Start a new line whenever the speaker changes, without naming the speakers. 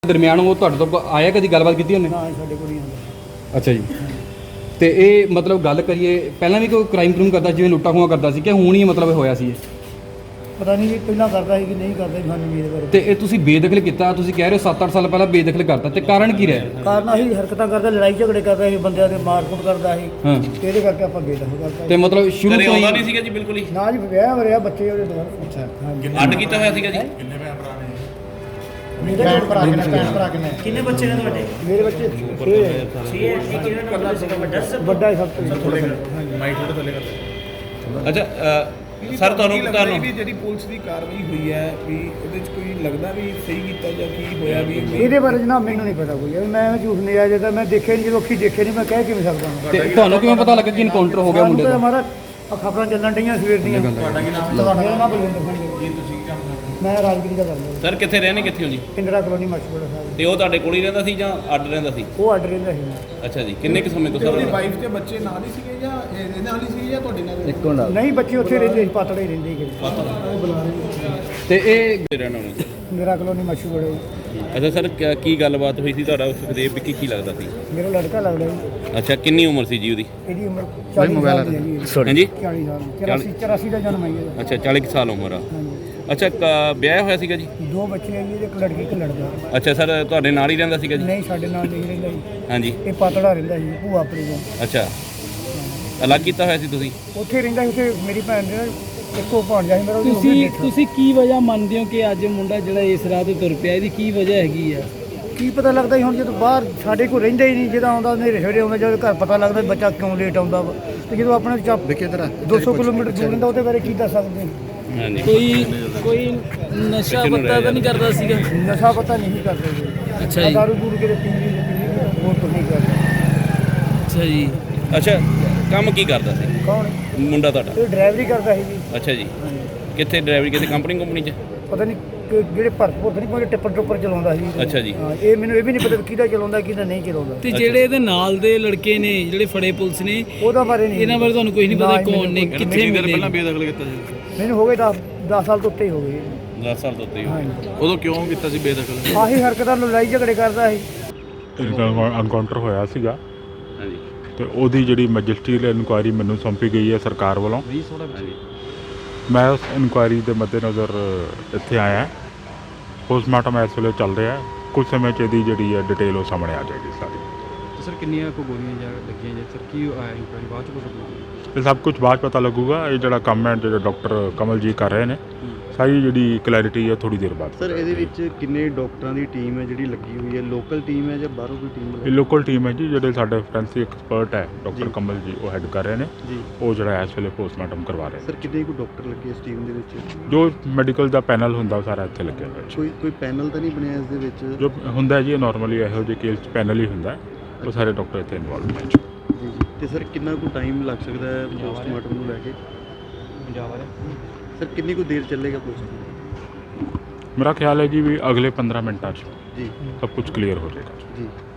ਦਰਮਿਆਨ ਉਹ ਤੁਹਾਡੇ ਤੋਂ ਆਇਆ, ਕਦੀ ਗੱਲਬਾਤ ਕੀਤੀ ਉਹਨੇ?
ਨਾ ਸਾਡੇ ਕੋਲ ਨਹੀਂ ਆਉਂਦਾ।
ਅੱਛਾ ਜੀ। ਤੇ ਇਹ ਮਤਲਬ ਗੱਲ ਕਰੀਏ, ਪਹਿਲਾਂ ਵੀ ਕੋਈ ਕ੍ਰਾਈਮ ਕਰੂਮ ਕਰਦਾ, ਜਿਵੇਂ ਲੁੱਟਾ ਖੋਹਾਂ ਕਰਦਾ ਸੀ, ਕਿ ਹੁਣ ਹੀ ਮਤਲਬ ਹੋਇਆ ਸੀ ਇਹ?
ਪਤਾ ਨਹੀਂ ਵੀ ਪਹਿਲਾਂ ਕਰਦਾ ਸੀ ਕਿ ਨਹੀਂ ਕਰਦਾ ਸੀ, ਸਾਨੂੰ ਮੇਰੇ ਬਾਰੇ।
ਤੇ ਇਹ ਤੁਸੀਂ ਬੇਦਖਲ ਕੀਤਾ, ਤੁਸੀਂ ਕਹਿ ਰਹੇ ਹੋ 7-8 ਸਾਲ ਪਹਿਲਾਂ ਬੇਦਖਲ ਕਰਤਾ, ਤੇ ਕਾਰਨ ਕੀ ਰਿਹਾ?
ਕਾਰਨ ਅਸੀਂ ਹਰਕਤਾਂ ਕਰਦਾ, ਲੜਾਈ ਝਗੜੇ ਕਰਦਾ ਸੀ, ਬੰਦਿਆਂ ਦੇ ਮਾਰਕੁੱਟ ਕਰਦਾ ਸੀ,
ਹਾਂ।
ਇਹਦੇ ਕਰਕੇ ਆਪਾਂ ਬੇਦਖਲ ਕਰਤਾ।
ਤੇ ਮਤਲਬ ਸ਼ੁਰੂ ਤੋਂ
ਆਉਂਦਾ
ਹੀ
ਨਹੀਂ ਸੀਗਾ ਜੀ ਬਿਲਕੁਲ ਹੀ?
ਨਾ ਜੀ, ਵਿਆਹ ਹੋ ਰਿਹਾ, ਬੱਚੇ ਉਹਦੇ ਦੁਆਰਾ। ਅੱਛਾ,
ਅੱਡ ਕੀਤਾ ਹੋਇਆ ਸੀਗਾ ਜੀ?
ਕਿੰਨੇ ਭਰਾ ਨੇ? ਕਿੰਨੇ ਬੱਚੇ ਨੇ ਤੁਹਾਡੇ? ਮੇਰੇ ਬੱਚੇ 6 ਹੈ। 6 ਹੈ। ਇੱਕ ਜਿਹੜਾ ਵੱਡਾ ਸੀਗਾ, ਵੱਡਾ ਸਭ ਤੋਂ।
ਅੱਛਾ ਸਰ, ਤੁਹਾਨੂੰ
ਵੀ ਜਿਹੜੀ ਪੁਲਿਸ ਦੀ ਕਾਰਵਾਈ ਹੋਈ ਹੈ ਵੀ ਉਹਦੇ ਚ ਕੋਈ ਲੱਗਦਾ ਵੀ ਸਹੀ ਕੀਤਾ ਜਾਂ ਕੀ ਹੋਇਆ ਵੀ?
ਇਹਦੇ ਬਾਰੇ ਜਨਾਬ ਮੈਨੂੰ ਨਹੀਂ ਪਤਾ ਕੋਈ, ਮੈਂ ਝੂਠ ਨਹੀਂ ਆ ਜਾਂਦਾ, ਮੈਂ ਦੇਖਿਆ ਨਹੀਂ, ਜਦੋਂ ਅੱਖੀ ਦੇਖੇ ਨਹੀਂ, ਮੈਂ ਕਹਿ ਕਿਵੇਂ ਸਕਦਾ ਹਾਂ।
ਤੇ ਤੁਹਾਨੂੰ ਕਿਵੇਂ ਪਤਾ ਲੱਗਾ ਕਿ ਇਨਕਾਊਂਟਰ ਹੋ ਗਿਆ ਮੁੰਡੇ ਦਾ?
ਹਮਾਰਾ ਖਬਰਾਂ ਚੱਲਣ ਡਈਆਂ ਸਵੇਰ ਦੀਆਂ। ਤੁਹਾਡਾ ਕੀ ਨਾਮ? ਮੇਰਾ ਨਾਮ ਬਲਵਿੰਦਰ ਸਿੰਘ ਹੈ।
ਤੁਸੀਂ ਕੀ ਕੰਮ ਕਰਦੇ?
ਮੈਂ ਰਾਜਗੀਰੀ ਦਾ ਕਰਦਾ।
ਸਰ ਕਿੱਥੇ ਰਹਿੰਦੇ, ਕਿੱਥੇ ਹੋ ਜੀ?
ਇੰਦਰਾ ਕਲੋਨੀ ਮਸ਼ਹੂਰ ਸਾਹਿਬ।
ਤੇ ਉਹ ਤੁਹਾਡੇ ਕੋਲ ਹੀ ਰਹਿੰਦਾ ਸੀ ਜਾਂ ਅੱਡ ਰਹਿੰਦਾ ਸੀ?
ਉਹ ਅੱਡ ਰਹਿੰਦਾ ਸੀ।
ਅੱਛਾ ਜੀ। ਕਿੰਨੇ ਕੁ ਸਮੇਂ ਤੋਂ
ਤੇ ਉਹਦੀ
ਸਰ?
ਵਾਈਫ ਤੇ ਬੱਚੇ ਨਾਲ ਹੀ ਸੀਗੇ ਜਾਂ ਇਹਦੇ ਨਾਲ ਹੀ ਸੀਗੇ ਜਾਂ ਤੁਹਾਡੇ ਨਾਲ?
ਨਹੀਂ, ਬੱਚੇ ਉੱਥੇ ਰਹਿੰਦੇ ਸੀ, ਪਾਤੜੇ ਰਹਿੰਦੇ ਸੀ। ਉਹ ਬੁਲਾ ਰਹੇ
ਤੇ ਇਹ
ਰਹਿਣਾ ਉਹਨੇ?
ਇੰਦਰਾ ਕਲੋਨੀ ਮਸ਼ਹੂਰ ਹੈ।
ਅੱਛਾ ਸਰ, ਕੀ ਗੱਲਬਾਤ ਹੋਈ ਸੀ ਤੁਹਾਡਾ? ਸੁਖਦੇਵ ਵਿੱਕੀ ਕੀ ਲੱਗਦਾ ਸੀ?
ਮੇਰਾ ਲੜਕਾ ਲੱਗਦਾ ਜੀ।
ਅੱਛਾ, ਕਿੰਨੀ ਉਮਰ ਸੀ ਜੀ ਉਹਦੀ?
ਇਹਦੀ ਉਮਰ 40 ਸਾਲ ਦੀ ਹੈ ਜੀ।
ਹਾਂਜੀ
40 ਸਾਲ, 84 ਦਾ ਜਨਮ ਹੈ ਇਹਦਾ।
ਅੱਛਾ, 40 ਕੁ ਸਾਲ ਉਮਰ ਆ।
ਹਾਂਜੀ।
ਅੱਛਾ, ਵਿਆਹ ਹੋਇਆ ਸੀਗਾ ਜੀ?
2 ਬੱਚੇ ਹੈ ਜੀ, ਇੱਕ ਲੜਕੀ ਇੱਕ ਲੜਕਾ।
ਅੱਛਾ ਸਰ, ਤੁਹਾਡੇ ਨਾਲ ਹੀ ਰਹਿੰਦਾ ਸੀਗਾ ਜੀ?
ਨਹੀਂ, ਸਾਡੇ ਨਾਲ ਨਹੀਂ ਰਹਿੰਦਾ ਜੀ।
ਹਾਂਜੀ।
ਇਹ ਪਾਤੜਾ ਰਹਿੰਦਾ ਸੀ, ਭੂਆ ਆਪਣੀ ਕੋਲ।
ਅੱਛਾ, ਅਲੱਗ ਕੀਤਾ ਹੋਇਆ ਸੀ ਤੁਸੀਂ?
ਉੱਥੇ ਰਹਿੰਦਾ ਸੀ, ਉੱਥੇ ਮੇਰੀ ਭੈਣ ਦੇ ਇੱਕੋ ਭਾਣਜਾ ਸੀ ਮੇਰਾ। ਉਹਦੀ
ਤੁਸੀਂ ਕੀ ਵਜ੍ਹਾ ਮੰਨਦੇ ਹੋ ਕਿ ਅੱਜ ਮੁੰਡਾ ਜਿਹੜਾ ਇਸ ਰਾਹ ਤੇ ਤੁਰ ਪਿਆ, ਇਹਦੀ ਕੀ ਵਜ੍ਹਾ ਹੈਗੀ ਆ?
ਕੀ ਪਤਾ ਲੱਗਦਾ ਸੀ ਹੁਣ, ਜਦੋਂ ਬਾਹਰ ਸਾਡੇ ਕੋਲ ਰਹਿੰਦਾ ਹੀ ਨਹੀਂ, ਜਦੋਂ ਆਉਂਦਾ ਹਨੇਰੇ ਸਵੇਰੇ ਆਉਂਦਾ, ਜਦੋਂ ਘਰ ਪਤਾ ਲੱਗਦਾ ਬੱਚਾ ਕਿਉਂ ਲੇਟ ਆਉਂਦਾ ਵਾ, ਤੇ ਜਦੋਂ ਆਪਣੇ 200 ਕਿਲੋਮੀਟਰ ਦੂਰ ਰਹਿੰਦਾ, ਉਹਦੇ ਬਾਰੇ ਕੀ ਦੱਸ ਸਕਦੇ?
ਹਾਂਜੀ।
ਕੋਈ ਨਸ਼ਾ ਪੱਤਾ ਤਾਂ ਨਹੀਂ ਕਰਦਾ ਸੀਗਾ?
ਨਸ਼ਾ ਪਤਾ ਨਹੀਂ ਕਰਦੇ ਜੀ।
ਅੱਛਾ ਜੀ।
ਦਾਰੂ ਦੂਰ ਕੇ ਪੀਂਦੀ ਹੋਰ ਕੁਝ ਨਹੀਂ ਕਰਦੇ।
ਅੱਛਾ ਜੀ।
ਅੱਛਾ, ਕੰਮ ਕੀ ਕਰਦਾ ਸੀ
ਕੌਣ?
ਮੁੰਡਾ ਤੁਹਾਡਾ?
ਇਹ ਡਰਾਈਵਰੀ ਕਰਦਾ ਸੀ ਜੀ।
ਅੱਛਾ ਜੀ। ਕਿੱਥੇ ਡਰਾਈਵਰੀ, ਕਿਸੇ ਕੰਪਨੀ 'ਚ?
ਪਤਾ ਨਹੀਂ ਜਿਹੜੇ ਭਰਤਪੁਰ ਨਹੀਂ ਕੋਈ ਟਿੱਪਰ ਟੁੱਪਰ ਚਲਾਉਂਦਾ ਸੀ।
ਅੱਛਾ ਜੀ।
ਹਾਂ, ਇਹ ਮੈਨੂੰ ਇਹ ਵੀ ਨਹੀਂ ਪਤਾ ਕਿਹਦਾ ਚਲਾਉਂਦਾ ਕਿਹਦਾ ਨਹੀਂ ਚਲਾਉਂਦਾ।
ਤੇ ਜਿਹੜੇ ਇਹਦੇ ਨਾਲ ਦੇ ਲੜਕੇ ਨੇ ਜਿਹੜੇ ਫੜੇ ਪੁਲਿਸ ਨੇ,
ਉਹਦਾ ਬਾਰੇ ਨਹੀਂ,
ਇਹਨਾਂ ਬਾਰੇ ਤੁਹਾਨੂੰ ਕੁਝ ਨਹੀਂ ਪਤਾ ਕੌਣ ਨੇ, ਕਿੱਥੇ ਮਿਲੇ?
ਬੇਦਖਲ ਕੀਤਾ ਸੀ?
ਮੈਨੂੰ ਹੋ ਗਏ 10 ਸਾਲ ਤੋਂ ਉੱਤੇ ਹੀ ਹੋ ਗਏ।
10 ਸਾਲ ਤੋਂ ਉੱਤੇ ਹੀ।
ਹਾਂਜੀ।
ਉਦੋਂ ਕਿਉਂ ਕੀਤਾ ਸੀ ਬੇਦਖਲ?
ਆਹੀ ਹਰਕਤਾਂ, ਲੜਾਈ ਝਗੜੇ ਕਰਦਾ ਸੀ।
ਐਨਕਾਊਂਟਰ ਹੋਇਆ ਸੀਗਾ
ਹਾਂਜੀ।
ਤੇ ਉਹਦੀ ਜਿਹੜੀ ਮੈਜਿਸਟਰੀਅਲ ਇਨਕੁਆਇਰੀ ਮੈਨੂੰ ਸੌਂਪੀ ਗਈ ਹੈ ਸਰਕਾਰ ਵੱਲੋਂ।
ਹਾਂਜੀ।
ਮੈਂ ਉਸ ਇਨਕੁਆਇਰੀ ਦੇ ਮੱਦੇਨਜ਼ਰ ਇੱਥੇ ਆਇਆ। ਪੋਸਟਮਾਰਟਮ ਇਸ ਵੇਲੇ ਚੱਲ ਰਿਹਾ ਹੈ। ਕੁਝ ਸਮੇਂ 'ਚ ਇਹਦੀ ਜਿਹੜੀ ਹੈ ਡਿਟੇਲ ਉਹ ਸਾਹਮਣੇ ਆ ਜਾਏਗੀ ਸਾਰੀ।
ਸਰ ਕਿੰਨੀਆਂ ਕੋ ਗੋਲੀਆਂ ਜਾਂ ਲੱਗੀਆਂ ਜਾਂ ਸਰ ਕੀ ਆਇਆ ਇਨਕੁਆਇਰੀ ਬਾਅਦ ਚ ਪਤਾ ਲੱਗੂਗਾ?
ਇਹ ਸਭ ਕੁਝ ਬਾਅਦ ਪਤਾ ਲੱਗੂਗਾ। ਇਹ ਜਿਹੜਾ ਕੰਮ ਹੈ ਜਿਹੜੇ ਡਾਕਟਰ ਕਮਲ ਜੀ ਕਰ ਰਹੇ ਨੇ, ਸਾਰੀ ਜਿਹੜੀ ਕਲੈਰਿਟੀ ਹੈ ਥੋੜੀ ਦੇਰ ਬਾਅਦ।
ਸਰ ਇਹਦੇ ਵਿੱਚ ਕਿੰਨੇ ਡਾਕਟਰਾਂ ਦੀ ਟੀਮ ਹੈ ਜਿਹੜੀ ਲੱਗੀ ਹੋਈ ਹੈ? ਲੋਕਲ ਟੀਮ ਹੈ ਜਾਂ ਬਾਹਰੋਂ ਕੋਈ ਟੀਮ?
ਇਹ ਲੋਕਲ ਟੀਮ ਹੈ ਜੀ, ਜਿਹੜੇ ਸਾਡੇ ਫੋਰੈਂਸਿਕ ਐਕਸਪਰਟ ਹੈ ਡਾਕਟਰ ਕਮਲ ਜੀ, ਉਹ ਹੈਡ ਕਰ ਰਹੇ ਨੇ
ਜੀ।
ਉਹ ਜਿਹੜਾ ਇਸ ਵੇਲੇ ਪੋਸਟਮਾਰਟਮ ਕਰਵਾ ਰਹੇ
ਸਰ ਕਿੰਨੇ ਕੋ ਡਾਕਟਰ ਲੱਗੇ ਇਸ ਟੀਮ ਦੇ ਵਿੱਚ?
ਨੇ। ਜੋ ਮੈਡੀਕਲ ਦਾ ਪੈਨਲ ਹੁੰਦਾ ਉਹ ਸਾਰਾ ਇੱਥੇ ਲੱਗਿਆ ਹੋਇਆ ਹੈ।
ਕੋਈ ਪੈਨਲ ਤਾਂ ਨਹੀਂ ਬਣਿਆ ਇਸ ਦੇ ਵਿੱਚ?
ਜੋ ਹੁੰਦਾ ਜੀ ਨਾਰਮਲੀ ਇਹੋ ਜਿਹੇ ਕੇਸ 'ਚ ਪੈਨਲ ਹੀ ਹੁੰਦਾ ਹੈ। ਉਹ ਸਾਰੇ ਡਾਕਟਰ ਇੱਥੇ ਇਨਵੋਲਵ ਨੇ ਜੀ।
ਜੀ ਜੀ। ਤੇ ਸਰ ਕਿੰਨਾ ਕੁ ਟਾਈਮ ਲੱਗ ਸਕਦਾ ਹੈ ਪੋਸਟਮਾਰਟਮ ਨੂੰ ਲੈ ਕੇ?
ਪੰਜਾਬ ਵਾਲੇ
ਸਰ ਕਿੰਨੀ ਕੁ ਦੇਰ ਚੱਲੇਗਾ ਪੋਸਟਮਾਰਟਮ?
ਮੇਰਾ ਖਿਆਲ ਹੈ ਜੀ ਵੀ ਅਗਲੇ 15 ਮਿੰਟਾਂ 'ਚ
ਜੀ
ਸਭ ਕੁਝ ਕਲੀਅਰ ਹੋ ਜਾਏਗਾ।
ਜੀ।